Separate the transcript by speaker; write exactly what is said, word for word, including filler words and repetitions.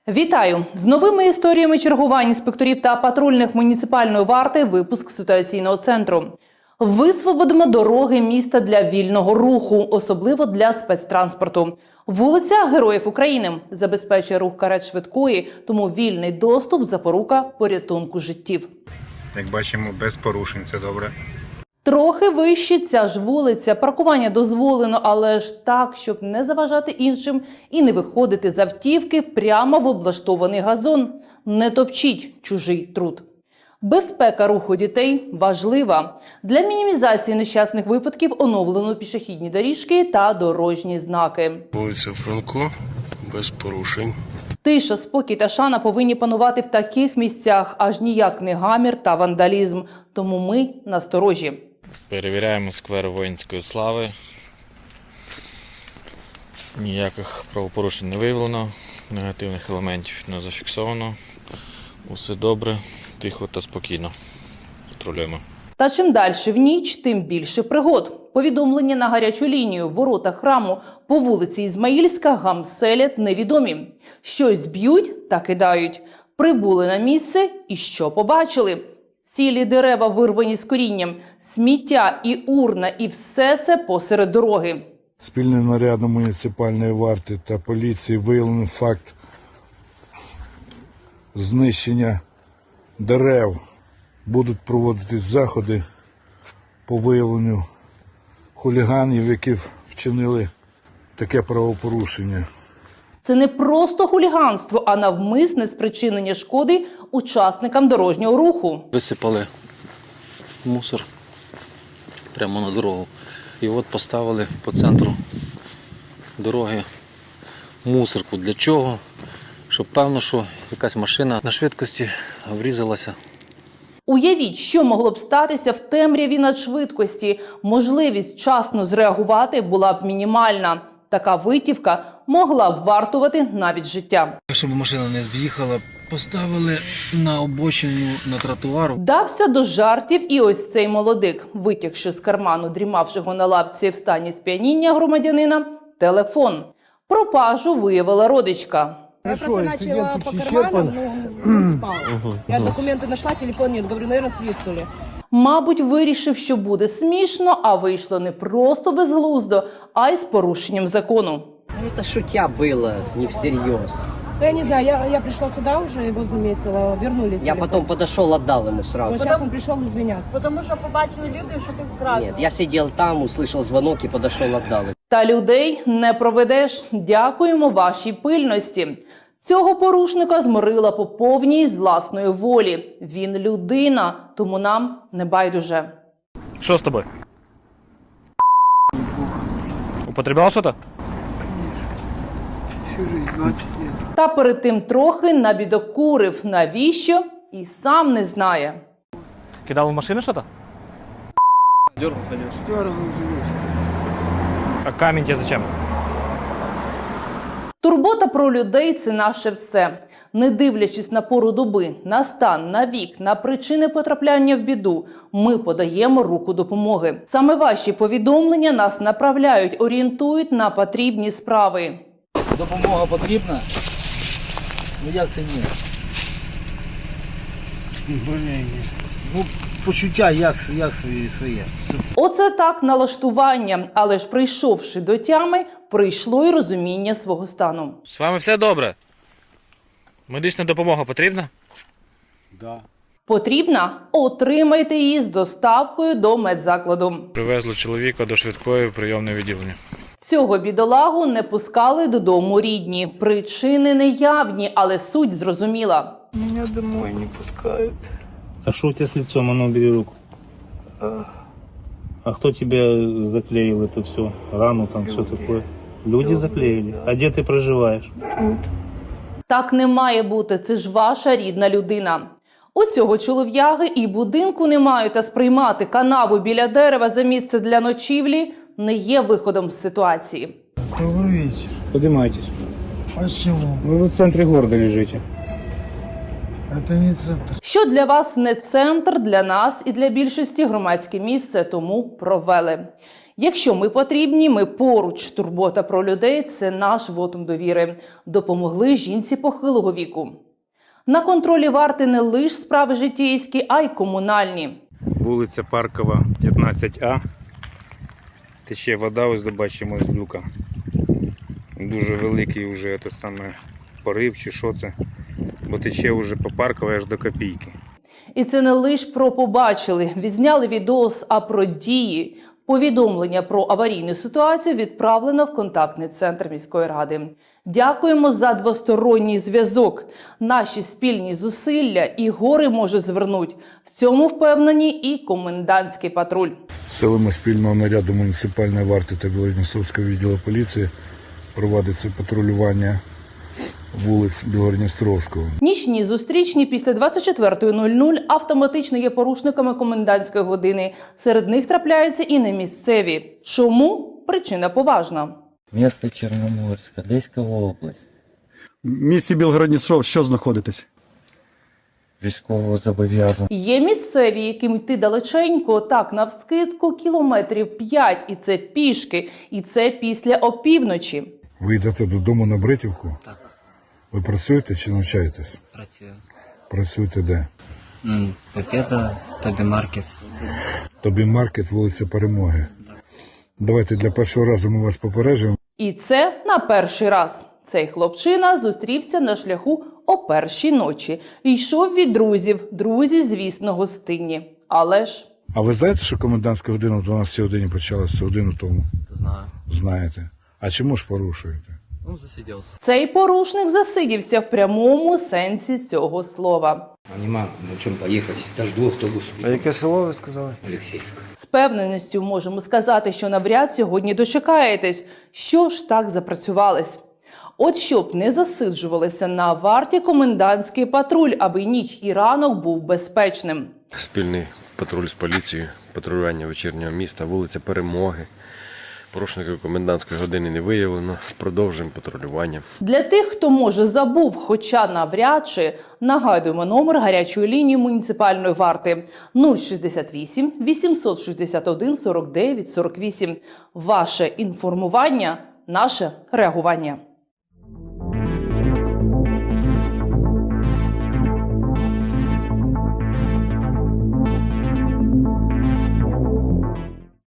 Speaker 1: Вітаю! З новими історіями чергувань інспекторів та патрульних муніципальної варти випуск ситуаційного центру. Висвободимо дороги міста для вільного руху, особливо для спецтранспорту. Вулиця Героїв України забезпечує рух карет швидкої, тому вільний доступ – запорука порятунку життів.
Speaker 2: Як бачимо, без порушень, це добре.
Speaker 1: Трохи вище ця ж вулиця. Паркування дозволено, але ж так, щоб не заважати іншим і не виходити з автівки прямо в облаштований газон. Не топчіть чужий труд. Безпека руху дітей важлива. Для мінімізації нещасних випадків оновлено пішохідні доріжки та дорожні знаки.
Speaker 3: Вулиця Франко, без порушень.
Speaker 1: Тиша, спокій та шана повинні панувати в таких місцях, аж ніяк не гамір та вандалізм. Тому ми насторожі.
Speaker 4: Перевіряємо сквер Воїнської слави. Ніяких правопорушень не виявлено, негативних елементів не зафіксовано. Усе добре, тихо та спокійно. Патрулюємо.
Speaker 1: Та чим далі в ніч, тим більше пригод. Повідомлення на гарячу лінію, ворота храму по вулиці Ізмаїльська гамселять невідомі. Щось б'ють та кидають. Прибули на місце і що побачили? Цілі дерева вирвані з корінням, сміття і урна, і все це посеред дороги.
Speaker 5: Спільним нарядом муніципальної варти та поліції виявлено факт знищення дерев. Будуть проводитись заходи по виявленню хуліганів, які вчинили таке правопорушення.
Speaker 1: Це не просто хуліганство, а навмисне спричинення шкоди учасникам дорожнього руху.
Speaker 6: Висипали мусор прямо на дорогу. І от поставили по центру дороги мусорку. Для чого? Щоб певно, що якась машина на швидкості врізалася.
Speaker 1: Уявіть, що могло б статися в темряві надшвидкості. Можливість вчасно зреагувати була б мінімальна. Така витівка могла б вартувати навіть життя.
Speaker 6: Щоб машина не з'їхала, поставили на обочину на тротуару.
Speaker 1: Вдався до жартів і ось цей молодик, витягши з карману дрімавшого на лавці в стані сп'яніння громадянина, телефон. Пропажу виявила родичка.
Speaker 7: Я просто начала по карманам, но он спал. Я документы нашла, телефон нет. Говорю, наверное, свистнули.
Speaker 1: Мабуть, вирішив, що буде смішно, а вийшло не просто безглуздо, а й з порушенням закону.
Speaker 8: Это шутя было, не всерьез.
Speaker 7: Ну, я не знаю, я, я пришла сюда уже, его заметила, вернули телефон.
Speaker 8: Я потом подошел, отдал ему сразу.
Speaker 7: Вот сейчас он пришел извиняться.
Speaker 9: Потому що побачили люди, що ти вкрав.
Speaker 8: Нет, я сидел там, услышал звонок и подошел, отдал ему.
Speaker 1: Та людей не проведеш. Дякуємо вашій пильності. Цього порушника зморила по повній з власної волі. Він людина, тому нам не байдуже.
Speaker 4: Що з тобою? Употреблял що-то?
Speaker 10: Всю жизнь, двадцать лет.
Speaker 1: Та перед тим трохи набідокурив. Навіщо? І сам не знає.
Speaker 4: Кидав в машину що-то?
Speaker 10: Дергал за ручку.
Speaker 4: А камінь тебе зачем?
Speaker 1: Турбота про людей – це наше все. Не дивлячись на пору доби, на стан, на вік, на причини потрапляння в біду, ми подаємо руку допомоги. Саме ваші повідомлення нас направляють, орієнтують на потрібні справи.
Speaker 11: Допомога потрібна? Ну як це ні? Ну, почуття як, як своє, своє.
Speaker 1: Оце так налаштування, але ж прийшовши до тями, прийшло й розуміння свого стану.
Speaker 4: З вами все добре? Медична допомога потрібна?
Speaker 10: Да.
Speaker 1: Потрібна? Отримайте її з доставкою до медзакладу.
Speaker 4: Привезли чоловіка до швидкої прийомної відділення.
Speaker 1: Цього бідолагу не пускали додому рідні. Причини неявні, але суть зрозуміла.
Speaker 10: Меня домой не пускают.
Speaker 12: А что у тебя с лицом? А ну, убери руку. А кто тебе заклеил это все? Рану там, все такое? Люди заклеили? А где ты проживаешь?
Speaker 1: Так не має бути, це ж ваша рідна людина. У цього чолов'яги і будинку немає, та сприймати канаву біля дерева за місце для ночівлі не є виходом з ситуації.
Speaker 10: Добрый вечер.
Speaker 12: Поднимайтесь.
Speaker 10: А с чего?
Speaker 12: Вы в центре города лежите.
Speaker 10: Это не центр.
Speaker 1: Що для вас не центр, для нас і для більшості громадське місце, тому провели. Якщо ми потрібні, ми поруч. Турбота про людей – це наш вотум довіри. Допомогли жінці похилого віку. На контролі варти не лише справи житейські, а й комунальні.
Speaker 2: Вулиця Паркова, п'ятнадцять А. Тече вода, ось бачимо з люка. Дуже великий вже те саме порив чи що це. Бо тече вже по Парковій аж до Копійки.
Speaker 1: І це не лише про побачили, відзняли відос, а про дії. Повідомлення про аварійну ситуацію відправлено в контактний центр міської ради. Дякуємо за двосторонній зв'язок. Наші спільні зусилля і гори може звернуть. В цьому впевнені і комендантський патруль.
Speaker 5: Силами спільного наряду муніципальної варти та Білгород-Дністровського відділу поліції проводиться патрулювання вулиць Білгород-Дністровського.
Speaker 1: Нічні зустрічні після двадцять четвертої нуль нуль автоматично є порушниками комендантської години. Серед них трапляються і не місцеві. Чому? Причина поважна.
Speaker 13: Місто Чорноморська, Одеська область.
Speaker 14: В місті Білгород-Дністров що знаходитесь?
Speaker 13: Військово зобов'язаний.
Speaker 1: Є місцеві, яким йти далеченько, так, навскидку, кілометрів п'ять. І це пішки. І це після опівночі.
Speaker 5: Ви йдете додому на Бритівку?
Speaker 8: Так.
Speaker 5: Ви працюєте чи навчаєтесь?
Speaker 8: Працюю.
Speaker 5: Працюєте де?
Speaker 8: М, Пакета, тобі маркет.
Speaker 5: Тобі маркет, вулиця Перемоги. Давайте для першого разу ми вас попереджуємо.
Speaker 1: І це на перший раз. Цей хлопчина зустрівся на шляху о першій ночі. Йшов від друзів. Друзі, звісно, гостинні. Але ж...
Speaker 5: А ви знаєте, що комендантська година в дванадцятій годині почалася годину тому?
Speaker 6: Знаю.
Speaker 5: Знаєте. А чому ж порушуєте?
Speaker 6: Ну, засидівся.
Speaker 1: Цей порушник засидівся в прямому сенсі цього слова.
Speaker 15: Нема на чому поїхати, та жду автобус.
Speaker 14: А яке село ви сказали?
Speaker 15: Олексіївка.
Speaker 1: З певненістю можемо сказати, що навряд сьогодні дочекаєтесь. Що ж так запрацювались? От щоб не засиджувалися на варті комендантський патруль, аби ніч і ранок був безпечним.
Speaker 3: Спільний патруль з поліцією, патрулювання вечірнього міста, вулиця Перемоги. Порушників комендантської години не виявлено. Продовжуємо патрулювання.
Speaker 1: Для тих, хто, може, забув, хоча навряд чи, нагадуємо номер гарячої лінії муніципальної варти нуль шістдесят вісім вісімсот шістдесят один сорок дев'ять сорок вісім. Ваше інформування – наше реагування.